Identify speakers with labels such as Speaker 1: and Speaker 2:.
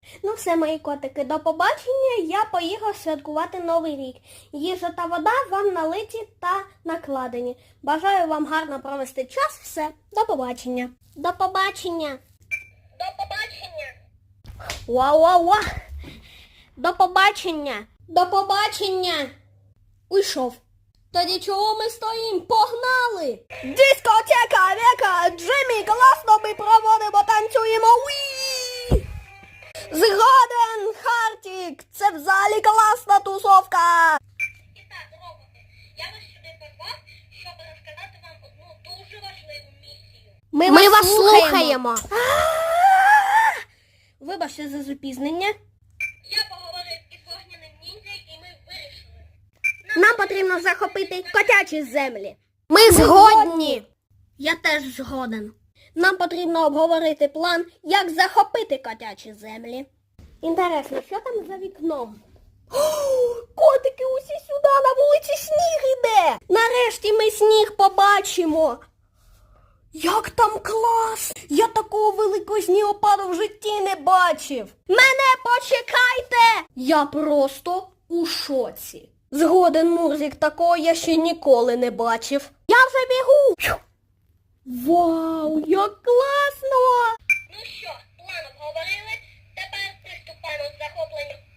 Speaker 1: Ну все, мої котики, до побачення. Я поїхав святкувати Новий рік. Їжа та вода вам налиті та накладені. Бажаю вам гарно провести час. Все, до побачення. До побачення.
Speaker 2: До побачення.
Speaker 1: Ва-ва-ва. До побачення. До побачення. Уйшов. Тоді чого ми стоїмо? Погнали! Дискотека, Века, Джиммі, класно ми проводимо, танцюємо. Уі! Згоден, Хартік, це в залі класна тусовка.
Speaker 2: І так, роботи, я вас сюди позвав, щоб розказати вам одну дуже важливу місію.
Speaker 1: Ми вас слухаємо. Вибачте за запізнення.
Speaker 2: Я поговорив із вогняним ніндзя, і ми вирішили.
Speaker 1: Нам потрібно захопити котячі землі. Ми згодні. Я теж згоден. Нам потрібно обговорити план, як захопити котячі землі. Інтересно, що там за вікном? Котики, усі сюди, на вулиці сніг іде. Нарешті ми сніг побачимо. Як там клас! Я такого великого снігопаду в житті не бачив. Мене почекайте! Я просто у шоці. Згоден, Мурзик, такого я ще ніколи не бачив. Я вже бігу! Вау, як класно!
Speaker 2: Ну що, план обговорили, тепер приступаємо до захоплення